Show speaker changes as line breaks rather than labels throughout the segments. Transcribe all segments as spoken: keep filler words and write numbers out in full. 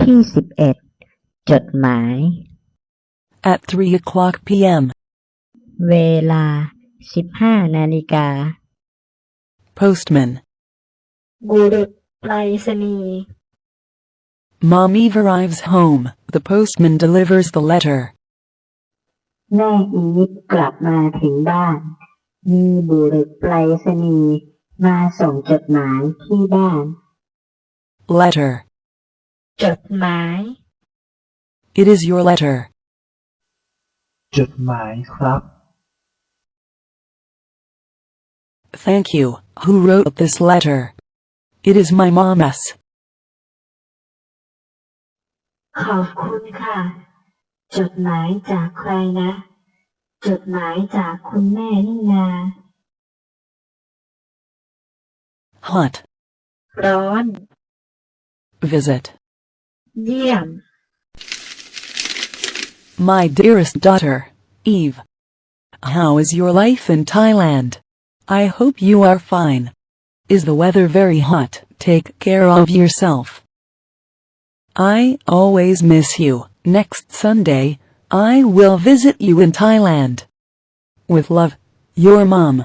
ที่สิบเอ็ดจดหมาย
At three o'clock p m
เวลาสิบห้านาฬิกา
Postman
บุรุษไปรษณีย์
Mom Eve arrives home. The postman delivers the letter.
แม่อีฟกลับมาถึงบ้านมีบุรุษไปรษณีย์มาส่งจดหมายที่บ้าน
Letter
จดหมาย
It is your letter.
จดหมายครับ
Thank you. Who wrote this letter? It is my mom's.
ขอบคุณค่ะจดหมายจากใครนะจดหมายจากคุณแม่นี่นา
Hot
ร้อน
Visit
เยี่ยม
My dearest daughter, Eve. How is your life in Thailand? I hope you are fine. Is the weather very hot? Take care of yourself. I always miss you. Next Sunday, I will visit you in Thailand. With love, your mom.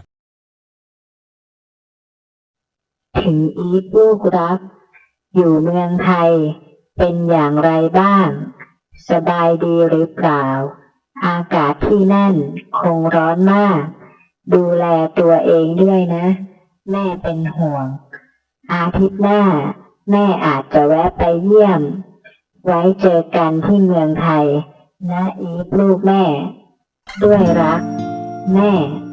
ถึงอีฟลูกรักอยู่เมืองไทยเป็นอย่างไรบ้างสบายดีหรือเปล่าอากาศที่นั่นคงร้อนมากดูแลตัวเองด้วยนะแม่เป็นห่วงอาทิตย์หน้าแม่อาจจะแวะไปเยี่ยมไว้เจอกันที่เมืองไทยนะอีฟลูกแม่ด้วยรักแม่